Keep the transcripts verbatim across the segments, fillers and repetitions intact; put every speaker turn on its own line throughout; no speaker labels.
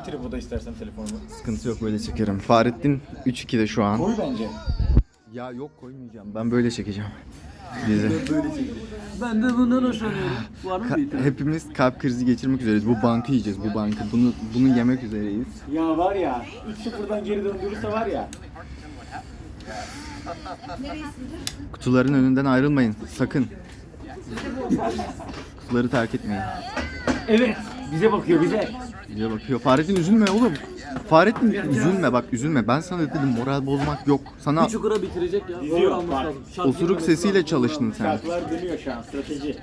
bir tripoda istersen telefonumu.
Sıkıntı yok, böyle çekerim. Fahrettin üç ikide şu an.
Koy bence.
Ya yok, koymayacağım. Ben böyle çekeceğim. Bizi.
Ben de bundan hoşlanıyorum. Var mı bir
Ka- hepimiz kalp krizi geçirmek üzereyiz. Bu bankı yiyeceğiz, bu bankı. Bunu bunu yemek üzereyiz.
Ya var ya, üç sıfırdan geri döndürürse var ya.
Kutuların önünden ayrılmayın, sakın. Kutuları terk etmeyin.
Evet, bize bakıyor bize.
Bize bakıyor. Fahrettin üzülme oğlum. Fahrettin üzülme, bak üzülme. Ben sana dedim, moral bozmak yok. Sana
Bir çukura bitirecek ya.
İzliyor,
Doğru alması
bak.
lazım. Şart
osuruk
girmemesi
sesiyle
lazım.
çalıştın sen.
Şartlar dönüyor şu an, strateji.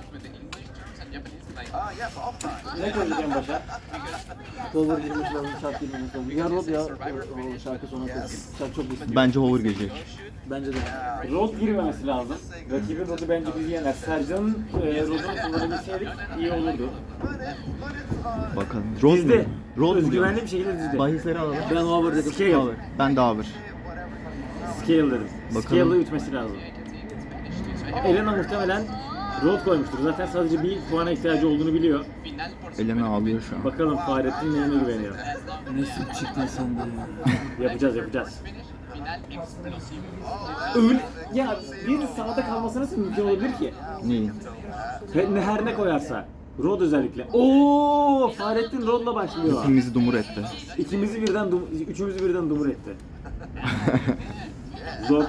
Ne koyacağım başa?
Cover girmesi lazım, şart girmemesi lazım. Ya Rod ya, o, o şarkı sona koysun. Şarkı çok istiyor.
Bence hover gelecek.
Bence de.
Rod girmemesi lazım. Rakibin Rod'u bence bizi yener. Sercan'ın e, Rod'unu kullanabilseydik iyi olurdu.
Bakalım. Rod mu?
Dizdi.
Rod mu?
Özgüvenli bir şekilde dizdi.
Bahisleri alalım.
Ben over dedim.
Scale.
Hover. Ben de hover.
Scale dedim.
Bakalım.
Scale'la ütmesi lazım. Elena muhtemelen Rod koymuştur. Zaten sadece bir puana ihtiyacı olduğunu biliyor.
Elena ağlıyor şu an.
Bakalım Fahrettin neyine güveniyor.
Nasıl çıktın sen de ya?
Yapacağız yapacağız. Öyle ya bir sağda kalması nasıl mümkün olabilir ki?
Neyi?
Her ne, her ne koyarsa. Rod özellikle. Oo, Fahrettin Rod'la başlıyor.
Hepimizi dumur etti.
İkimizi birden, dum, üçümüzü birden dumur etti. Zor.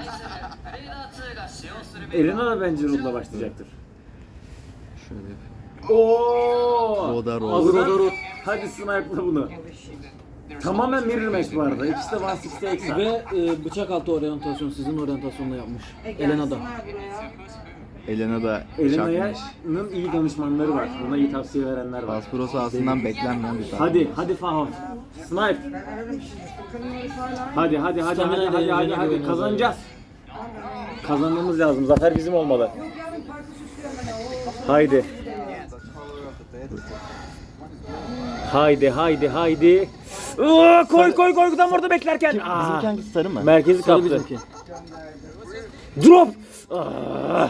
Elena da bence Rod'la başlayacaktır.
Şöyle yapayım.
Oo!
Rod'a Rod.
Hadi Rod'a Rod. Hadi snipe'la bunu. Tamamen mirror match bu arada. İkisi de bir altmış eksi.
Ve e, bıçak altı oryantasyon sizin oryantasyonla yapmış. Elena da.
Elena da çakmış.
Elena'nın iyi danışmanları var. Ona iyi tavsiye verenler var.
Baspro sahasından beklenmeyen bir tane.
Hadi, hadi Faho. Snipe. Hadi, hadi, hadi, hadi,
Stamina
hadi, hadi,
ile
hadi,
ilgili
hadi.
güveniyorum.
Kazanacağız. Kazanmamız lazım. Zafer bizim olmalı. Haydi. Haydi, haydi, haydi. Oo, koy, koy, koy. Tam orada beklerken. Aa,
Bizimki hangisi, sarı mı?
merkezi
Sarı
kaptı.
bizimki.
Drop. Aa.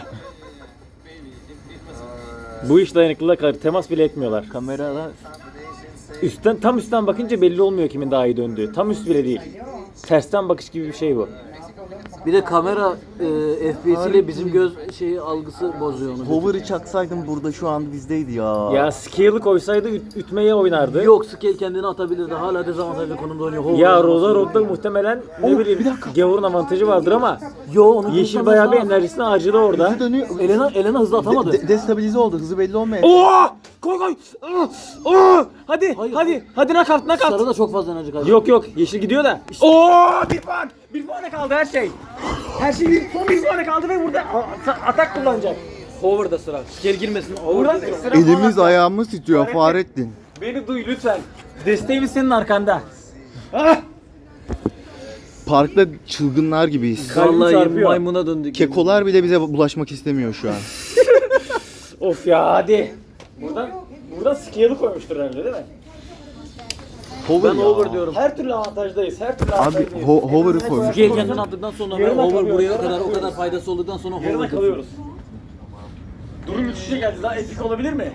Bu iş dayanıklılığa kalır. Temas bile etmiyorlar.
Kamerada
Üstten, tam üstten bakınca belli olmuyor kimin daha iyi döndüğü. Tam üst bile değil. Tersten bakış gibi bir şey bu.
Bir de kamera e, F P S ile bizim göz şeyi algısı bozuyor onu.
hover'ı çaksaydım burada şu an bizdeydi ya.
Ya scale'ı koysaydı üt- ütmeye oynardı.
Yok, Scale kendini atabilirdi. Hala dezavantajlı konumda oynuyor. Hover
Ya
oynaması.
Rosa Rod'da muhtemelen ne
Oh,
bileyim
bir dakika.
gavurun avantajı vardır ama
Yo, onu
Yeşil
kurtarması
bayağı bir
lazım.
enerjisini harcadı orada.
Hızı dönüyor.
Elena, Elena hızlı atamadı.
De- de- destabilize oldu. Hızı belli olmayan.
Oo! Koy koy! Aa! Aa! Hadi
Hayır.
hadi hadi knockout knockout.
Sarı da çok fazla enerji kaybediyor.
Yok yok yeşil gidiyor da. Oo! Bir puan! Bir puana kaldı her şey. Her şey bir, son bir puana kaldı ve burada a- atak kullanacak.
Hover'da sıra. Scale girmesin.
Buradan ekstra
Elimiz
puan-
ayağımız titriyor Fahrettin.
Beni duy lütfen. Desteğimiz senin arkanda. Ah!
Parkta çılgınlar gibiyiz.
Kalbim
Vallahi
çarpıyor.
maymuna döndük.
Kekolar bile bize bulaşmak istemiyor şu an.
Of ya hadi. Buradan buradan scale'ı koymuştur herhalde değil mi?
Hover
Ben
ya.
over diyorum.
Her türlü avantajdayız. Her türlü
Abi
avantajdayız.
ho- hover'ı koymuş.
Scale kendini attıktan sonra ve
Yarına
hover
kalıyoruz,
buraya
yarına
kadar o kadar
kalıyoruz.
faydası olduktan sonra
Yarına
hover
kalıyoruz. Durum müthişe geldi. Daha epik olabilir mi?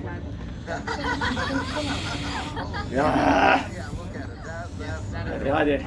Ya. Hadi hadi.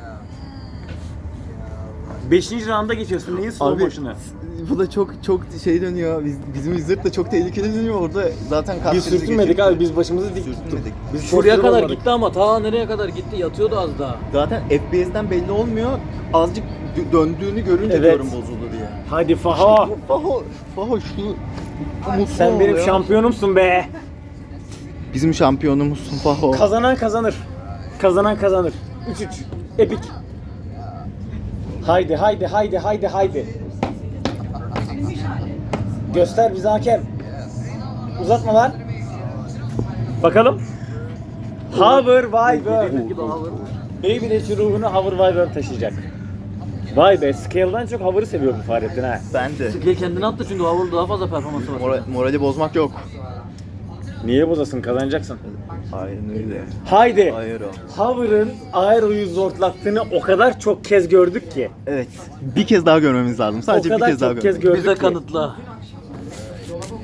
Beşinci rounda geçiyorsun. Neyin slow
Abi
motion'ı?
bu da çok çok şey dönüyor. Biz, bizim zırt da çok tehlikeli dönüyor orada. Zaten kalp
Biz
krizi
sürtünmedik
geçirdik.
abi. Biz başımızı dik tuttuk.
Sürtünmedik.
Biz
Şuraya
çok
kadar
yorulmadık.
gitti ama ta nereye kadar gitti, yatıyordu az daha.
Zaten F P S'ten belli olmuyor. Azıcık dö- döndüğünü görünce
Evet.
diyorum bozuldu diye.
Hadi Faha.
Faho, Faho şunu mutlu
Sen
ol
benim
ya.
şampiyonumsun be.
Bizim şampiyonumuzsun Faho.
Kazanan kazanır. Kazanan kazanır. üç üç. Epik. Haydi haydi haydi haydi haydi. Göster bize hakem. Uzatma lan. Bakalım. Hover Wyvern.
Gibi hover.
Beyblade'ci ruhunu Hover Wyvern taşıyacak. Vay be, Scale'dan çok Hover'ı seviyor bu Fahrettin ha.
Ben de.
Scale kendini attı çünkü hover daha fazla performansı var.
Mora- morali bozmak yok.
Niye bozasın, kazanacaksın.
Aynen öyle.
Haydi.
Hayır o.
Hover'ın Aero'yu zortlattığını o kadar çok kez gördük ki.
Evet. Bir kez daha görmemiz lazım. Sadece
o
bir
kadar
kez daha
çok kez
görmemiz.
gördük
Bize
ki.
kanıtla.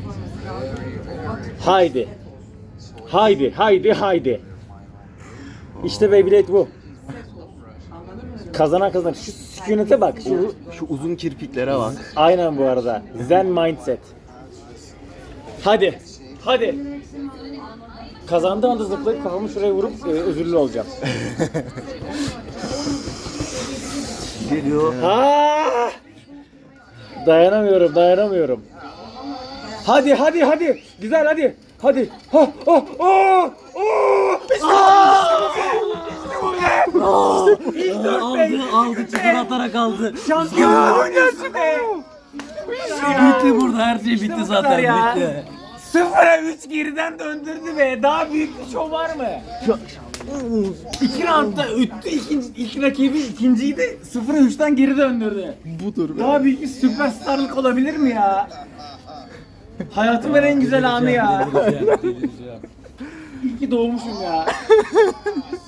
Haydi. Haydi, haydi, haydi. İşte Beyblade bu. Kazanan kazanır. Şu sükunete bak. Şu
Şu uzun kirpiklere bak.
aynen bu arada. Zen mindset. Hadi. Hadi. Kazandığı anda zıplayıp kafamı şuraya vurup e, özürlü olacağım.
Geliyor.
Ha! Dayanamıyorum, dayanamıyorum. Hadi, hadi, hadi. Güzel, hadi. Hadi. Ha, ha, ha, ha. İşte bu be. İşte bu be. İlk dört be.
Aldı, aldı, çıkar atarak aldı.
Şampiyon oynuyorsun be.
Bitti burada, her şey bitti
bu
zaten,
kadar ya.
bitti.
Sıfıra üç geriden döndürdü be. Daha büyük bir şov var mı? İki roundda öttü. İkinci, ilk rakibi ikinciyi de sıfıra üçten geri döndürdü.
Budur be.
Daha büyük bir süperstarlık olabilir mi ya? Hayatımın en güzel anı ya. İyi ki doğmuşum ya.